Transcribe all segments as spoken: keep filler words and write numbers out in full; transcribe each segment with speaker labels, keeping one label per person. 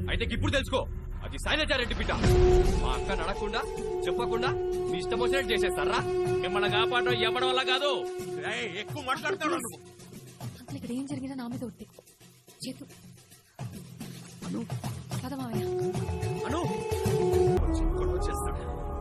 Speaker 1: అయితే ఇప్పుడు తెలుసుకో, అది శైలజారెడ్డి బిడ్డ. మా అక్క నడకుండా చెప్పకుండా మీ ఇష్టం వచ్చినట్టు చేసేస్తారా?
Speaker 2: మిమ్మల్ని కాపాడడం ఎవడం వల్ల కాదు.
Speaker 3: ఎక్కువ మాట్లాడుతున్నావు నువ్వు.
Speaker 4: అంకుల్ ఇక్కడ ఏం జరిగినా నా మీద ఒట్టి చేతు కదా మావయ్య.
Speaker 3: అను గొడవ చేస్తాడు.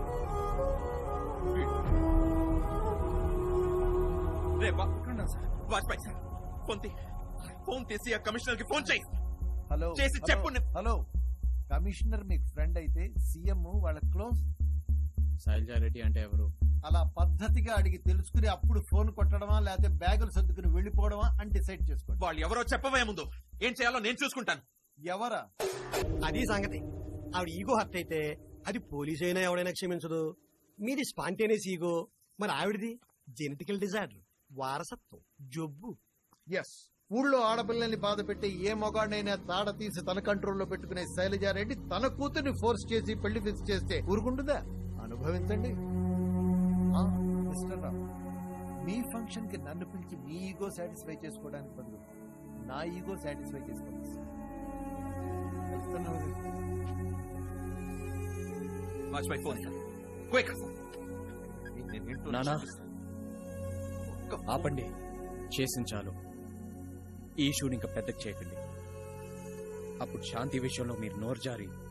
Speaker 3: రే వాజ్పేయి సార్, ఫోన్ తీ. ఫోన్ తీసి ఆ కమిషనర్ కి ఫోన్ చేయి.
Speaker 5: హలో
Speaker 3: చేసి చెప్పు.
Speaker 5: హలో, కమిషనర్ మీకు ఫ్రెండ్ అయితే సీఎం వాళ్ళ క్లోజ్.
Speaker 2: శైలజారెడ్డి అంటే ఎవరు?
Speaker 5: అలా పద్ధతిగా అడిగి తెలుసుకుని అప్పుడు ఫోన్ కొట్టడమా లేకపోతే బ్యాగులు సర్దుకుని వెళ్లిపోవడమా అని డిసైడ్ చేసుకోండి.
Speaker 3: వాళ్ళు ఎవరో చెప్పవే ముందు. ఏం చేయాలో నేను చూసుకుంటాను.
Speaker 5: ఎవరా?
Speaker 6: అది సంగతి. ఆవిడ ఈగో హర్ట్ అయితే అది పోలీసు అయినా ఎవడైనా క్షమించదు. మీది స్పాంటేనియస్ ఈగో, మరి ఆవిడది జెనెటికల్ డిజార్డర్, వారసత్వం, జబ్బు.
Speaker 5: ఎస్, ఊళ్ళో ఆడపిల్లల్ని బాధ పెట్టి ఏ మొగాడినైనా తాడ తీసి తన కంట్రోల్లో పెట్టుకునే శైలజారెడ్డి తన కూతుర్ని ఫోర్స్ చేసి పెళ్లి ఫిక్స్ చేస్తే ఊరుకుంటుందా? అనుభవించండి. ఆ, మిస్టర్ రావు, మీ ఫంక్షన్ కి నన్ను పిలిచి మీ ఈగో సాటిస్ఫై చేసుకోవడానికి బదులు నా ఈగో సాటిస్ఫై చేసుకోండి.
Speaker 3: Vajpayee phone quick.
Speaker 2: నానా ఆపండి, చేసిన చాలు. ఈ షూని ఇంకా పెద్దకి చేయకండి. అప్పుడు శాంతి విషయంలో మీరు నోరు జారి